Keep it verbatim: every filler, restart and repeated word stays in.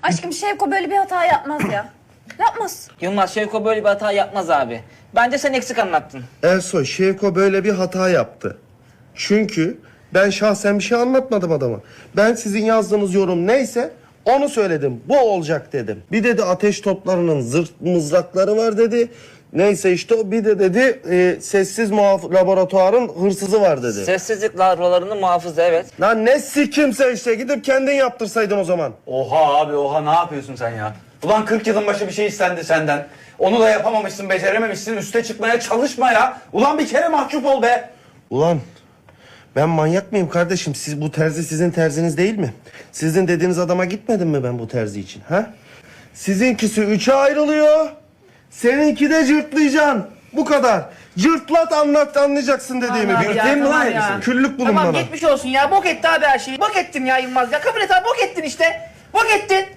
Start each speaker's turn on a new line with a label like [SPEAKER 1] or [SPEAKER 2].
[SPEAKER 1] Aşkım Şevko böyle bir hata yapmaz ya. Yapmaz.
[SPEAKER 2] Yılmaz, Şevko böyle bir hata yapmaz abi. Bence sen eksik anlattın.
[SPEAKER 3] Ersoy, Şevko böyle bir hata yaptı. Çünkü ben şahsen bir şey anlatmadım adama. Ben sizin yazdığınız yorum neyse onu söyledim. Bu olacak dedim. Bir dedi ateş toplarının zırt mızrakları var dedi. Neyse işte o bir de dedi e, sessiz muhaf- laboratuvarın hırsızı var dedi.
[SPEAKER 2] Sessizlik lavralarını muhafızı, evet.
[SPEAKER 3] Lan ne sikimse işte gidip kendin yaptırsaydın o zaman.
[SPEAKER 4] Oha abi oha, ne yapıyorsun sen ya? Ulan kırk yılın başı bir şey istendi senden. Onu da yapamamışsın, becerememişsin, üste çıkmaya çalışma ya. Ulan bir kere mahcup ol be.
[SPEAKER 3] Ulan ben manyak mıyım kardeşim? Siz bu terzi sizin terziniz değil mi? Sizin dediğiniz adama gitmedim mi ben bu terzi için? Ha? Sizinkisi üçe ayrılıyor. Seninki de cırtlayacaksın. Bu kadar. Cırtlat anlat anlayacaksın dediğimi.
[SPEAKER 5] Tamam
[SPEAKER 3] Bir
[SPEAKER 5] ya,
[SPEAKER 3] değil mi
[SPEAKER 5] tamam
[SPEAKER 3] lan?
[SPEAKER 5] ya.
[SPEAKER 3] Küllük bulun
[SPEAKER 5] Tamam
[SPEAKER 3] bana.
[SPEAKER 5] geçmiş olsun ya. Bok etti abi her şeyi. Bok ettin ya Yılmaz ya. Kabul et abi, bok ettin işte. Bok ettin.